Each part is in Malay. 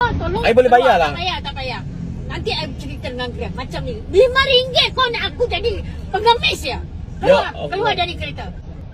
Tolong. I boleh bayar lah. Tak payah, tak payah. Nanti I cerita dengan Grab macam ni. RM5 kau nak aku jadi pengemis ya? Keluar, Ya, keluar dari kereta.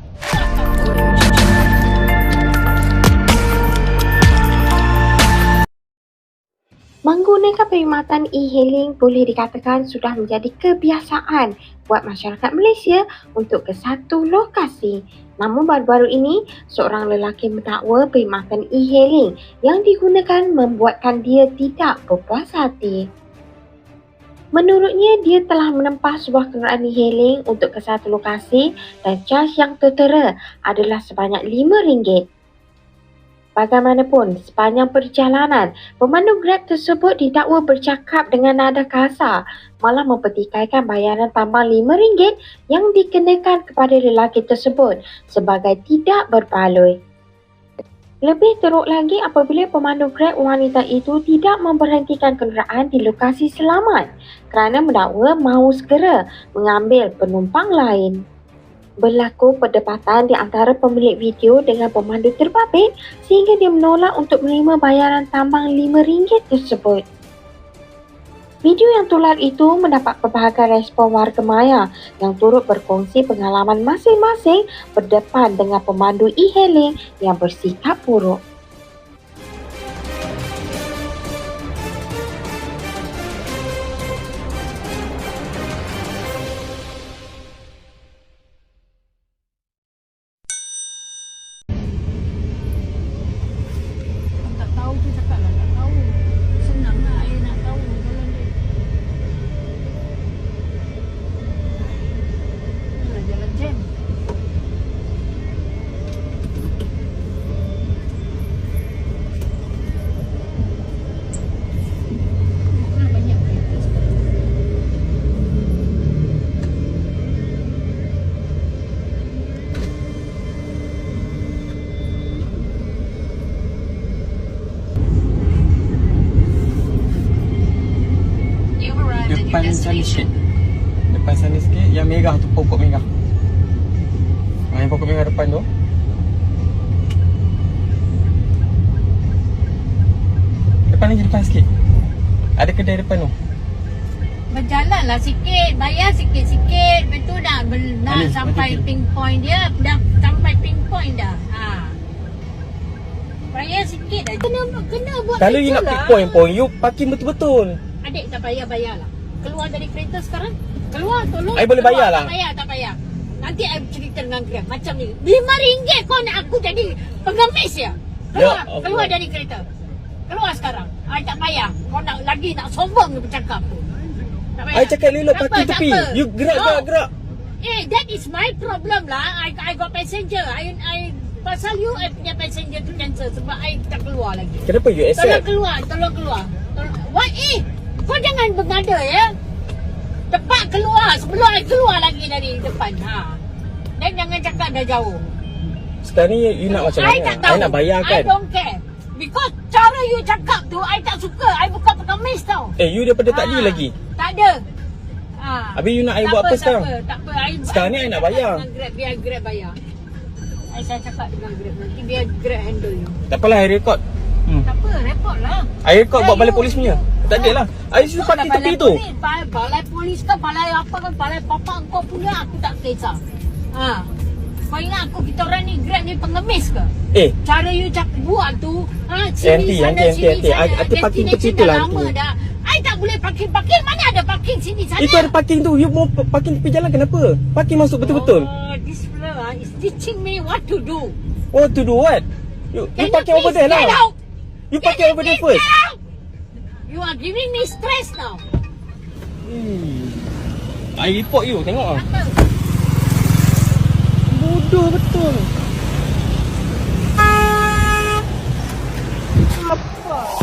Menggunakan perkhidmatan e-hailing boleh dikatakan sudah menjadi kebiasaan buat masyarakat Malaysia untuk ke satu lokasi. Namun baru-baru ini, seorang lelaki mendakwa perkhidmatan e-hailing yang digunakan membuatkan dia tidak berpuas hati. Menurutnya, dia telah menempah sebuah kenderaan e-hailing untuk ke satu lokasi dan caj yang tertera adalah sebanyak RM5. Bagaimanapun, sepanjang perjalanan, pemandu Grab tersebut didakwa bercakap dengan nada kasar, malah mempertikaikan bayaran tambang RM5 yang dikenakan kepada lelaki tersebut sebagai tidak berbaloi. Lebih teruk lagi apabila pemandu Grab wanita itu tidak memberhentikan kenderaan di lokasi selamat kerana mendakwa mahu segera mengambil penumpang lain. Berlaku perdebatan di antara pemilik video dengan pemandu terbabit sehingga dia menolak untuk menerima bayaran tambang RM5 tersebut. Video yang tular itu mendapat pelbagai respon warga maya yang turut berkongsi pengalaman masing-masing berdepan dengan pemandu e-hailing yang bersikap buruk. Tak tahu tu cakap lah, tak tahu. Senang lah I nak tahu jalan dia. Inilah jalan jam. Mana banyak kereta sekarang. Depan sana sikit. Depan sana sikit. Yang merah tu, pokok merah. Yang pokok merah depan tu. Depan lagi, depan sikit. Ada kedai depan tu. Berjalan lah sikit, bayar sikit-sikit. Betul dah, nak Alif, sampai mati. pinpoint dia. Dah sampai pinpoint dah. Bayar sikit dah. Kena buat Kalau you nak pick point, you parking betul-betul. Adik tak payah bayar lah. Keluar dari kereta sekarang. Keluar, tolong. I boleh bayar lah. Tak payah, tak payah. Nanti I cerita dengan Grab macam ni. RM5 kau nak aku jadi pengemis ya? Keluar, Ya Allah. keluar dari kereta. Keluar sekarang. I tak payah. Kau nak lagi nak sombong ni bercakap tu. Tak payah. I cakap elok Tak parking apa, tepi. tak apa. You gerak, No. gerak, gerak. That is my problem lah. I got passenger. I pasal you, I punya passenger tu cancel sebab I tak keluar lagi. Kenapa you Tolong accept? keluar, tolong keluar. What? Kau jangan bergada ya. Cepat keluar sebelum I keluar lagi dari depan. Dan jangan cakap dah jauh. Sekarang ni you nak macam I mana? tak tahu. I nak bayar I kan? don't care. Because cara you cakap tu, I tak suka. I bukan pengemis tau. You daripada tadi lagi. Tak ada. Habis you nak I Tak buat apa sekarang? Tak apa. Sekarang ni I nak bayar. Dengan Grab, biar Grab bayar. Saya cakap dengan Grab nanti biar Grab handle you. Tak apalah, I record. Tak apa, report lah. I record buat balai polis punya. Tak ada lah. I suruh parking tepi tu. Balai polis ke balai apa kan, balai papa kau punya aku tak kisah. Kau ingat aku kita orang ni Grab ni pengemis ke? Cara you buat tu, sini sana sini sana. I parking tepi Destination tu dah lah. lama dah. I tak boleh parking. Mana ada parking sini sana? Itu ada parking tu. You mau parking tepi jalan kenapa? Parking masuk betul-betul. This fella is teaching me what to do. Oh, to do what? You parking over there lah. You parking over there first. You are giving me stress now. I report you. Tengok lah. Apa? Bodoh betul. Apa?